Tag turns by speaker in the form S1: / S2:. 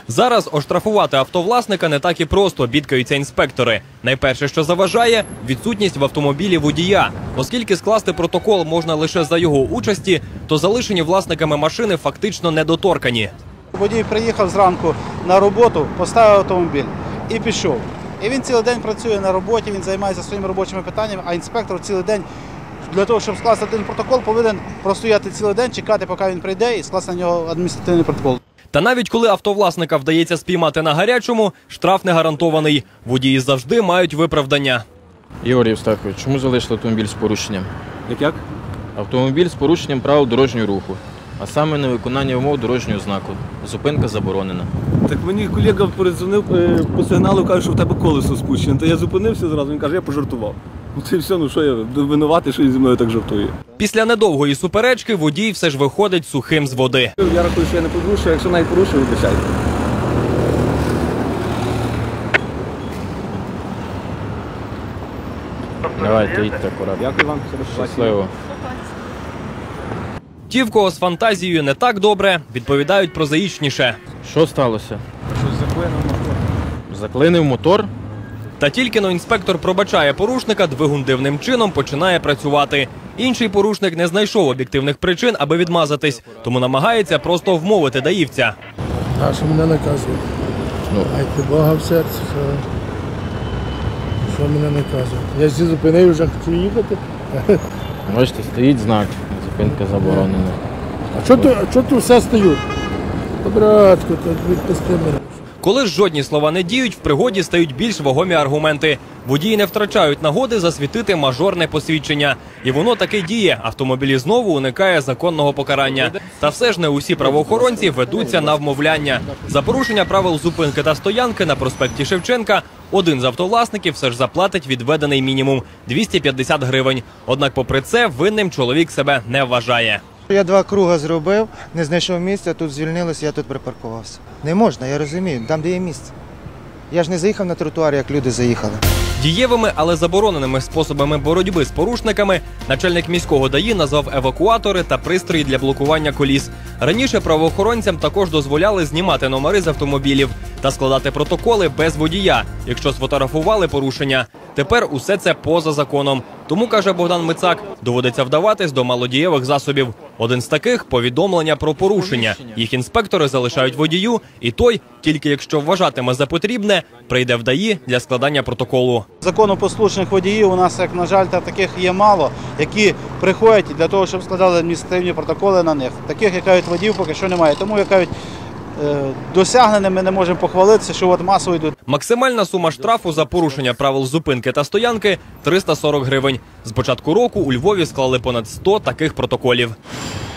S1: Зараз оштрафувати автовласника не так і просто, бідкаються інспектори. Найперше, що заважає – відсутність в автомобілі водія. Оскільки скласти протокол можна лише за його участі, то залишені власниками машини фактично недоторкані.
S2: Водій приїхав зранку на роботу, поставив автомобіль і пішов. І він цілий день працює на роботі, він займається своїми робочими питаннями, а інспектор цілий день для того, щоб скласти один протокол, повинен простояти цілий день, чекати, поки він прийде і скласти на нього адміністративний протокол.
S1: Та навіть коли автовласника вдається спіймати на гарячому, штраф не гарантований. Водії завжди мають виправдання.
S3: Ігор Євстахович, чому залишили автомобіль з порушенням?
S4: Як?
S3: Автомобіль з порушенням правил дорожнього руху, а саме невиконання умов дорожнього знаку. Зупинка заборонена.
S4: Так мені колега передзвонив по сигналу, каже, що в тебе колесо спущене. Та я зупинився зразу, він каже, я пожартував. Ну це все, ну що я винуватий, що він зі мною так жартує.
S1: Після недовгої суперечки водій все ж виходить сухим з води.
S4: Я рахую, що я не порушую, якщо навіть порушую, вибачайте.
S3: Давайте, їдьте акуратно.
S4: Дякую вам.
S3: Щасливо.
S1: Ті, в кого з фантазією не так добре, відповідають прозаїчніше.
S3: Що сталося?
S4: Щось заклинив мотор.
S3: Заклинив мотор?
S1: Та тільки-но інспектор пробачає порушника, двигун дивним чином починає працювати. Інший порушник не знайшов об'єктивних причин, аби відмазатись, тому намагається просто вмовити даївця.
S5: А що мене наказують? Майте Бога в серці, що мене наказують. Я всі зупинив, вже хочу їхати.
S3: Бачите, стоїть знак, зупинка заборонена.
S5: А чого тут все стають? Братку, так відпусти мене.
S1: Коли ж жодні слова не діють, в пригоді стають більш вагомі аргументи. Водії не втрачають нагоди засвітити мажорне посвідчення. І воно таки діє. Автомобілі знову уникає законного покарання. Та все ж не усі правоохоронці ведуться на вмовляння. За порушення правил зупинки та стоянки на проспекті Шевченка один з автовласників все ж заплатить відведений мінімум – 250 гривень. Однак попри це винним чоловік себе не вважає.
S6: Я 2 круги зробив, не знайшов місця, тут звільнилося, я тут припаркувався. Не можна, я розумію, там де є місце. Я ж не заїхав на тротуар, як люди заїхали.
S1: Дієвими, але забороненими способами боротьби з порушниками начальник міського ДАІ назвав евакуатори та пристрої для блокування коліс. Раніше правоохоронцям також дозволяли знімати номери з автомобілів та складати протоколи без водія, якщо сфотографували порушення. Тепер усе це поза законом. Тому, каже Богдан Мицак, доводиться вдаватись до малодієвих засобів. Один з таких – повідомлення про порушення. Їх інспектори залишають водію, і той, тільки якщо вважатиме за потрібне, прийде в ДАІ для складання протоколу.
S2: Законопослушних водіїв у нас, як на жаль, таких є мало, які приходять для того, щоб складали адміністративні протоколи на них. Таких, як кажуть, водіїв поки що немає. Тому, як кажуть, досягненими ми не можемо похвалитися, що от масово йдуть.
S1: Максимальна сума штрафу за порушення правил зупинки та стоянки – 340 гривень. З початку року у Львові склали понад 100 таких протоколів.